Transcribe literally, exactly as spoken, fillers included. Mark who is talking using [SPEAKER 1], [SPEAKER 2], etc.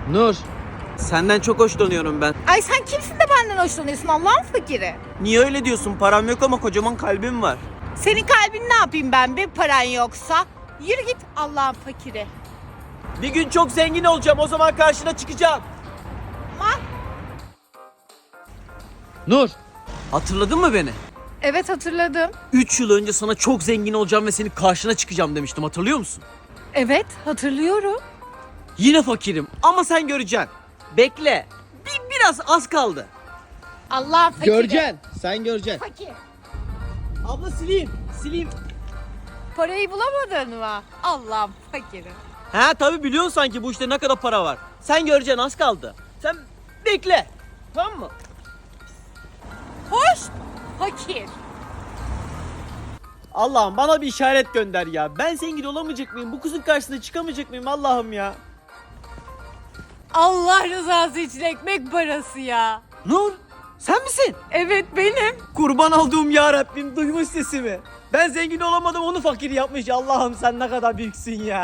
[SPEAKER 1] Nur, senden çok hoşlanıyorum ben.
[SPEAKER 2] Ay sen kimsin de benden hoşlanıyorsun Allah'ın fakiri?
[SPEAKER 1] Niye öyle diyorsun? Param yok ama kocaman kalbim var.
[SPEAKER 2] Senin kalbin ne yapayım ben bir paran yoksa? Yürü git Allah'ın fakiri.
[SPEAKER 1] Bir gün çok zengin olacağım, o zaman karşına çıkacağım.
[SPEAKER 2] Ama
[SPEAKER 1] Nur, hatırladın mı beni?
[SPEAKER 2] evet hatırladım.
[SPEAKER 1] Üç yıl önce sana çok zengin olacağım ve senin karşına çıkacağım demiştim, hatırlıyor musun?
[SPEAKER 2] Evet hatırlıyorum.
[SPEAKER 1] Yine fakirim ama sen göreceksin. Bekle. Bir, biraz az kaldı.
[SPEAKER 2] Allah'ın fakiri.
[SPEAKER 1] Göreceksin. Sen göreceksin.
[SPEAKER 2] Fakir.
[SPEAKER 1] Abla sileyim. Sileyim.
[SPEAKER 2] Parayı bulamadın mı? Allah'ın fakiri.
[SPEAKER 1] He tabi biliyorsun sanki bu işte ne kadar para var. Sen göreceksin, az kaldı. Sen bekle. Tamam mı?
[SPEAKER 2] Hoş fakir.
[SPEAKER 1] Allah'ım bana bir işaret gönder ya. Ben zengin olamayacak mıyım? Bu kızın karşısına çıkamayacak mıyım Allah'ım ya?
[SPEAKER 2] Allah rızası için ekmek parası ya.
[SPEAKER 1] Nur, sen misin?
[SPEAKER 2] Evet benim.
[SPEAKER 1] Kurban olduğum ya Rabbim, duymuş sesimi. Ben zengin olamadım, onu fakir yapmış. Allah'ım sen ne kadar büyüksün ya.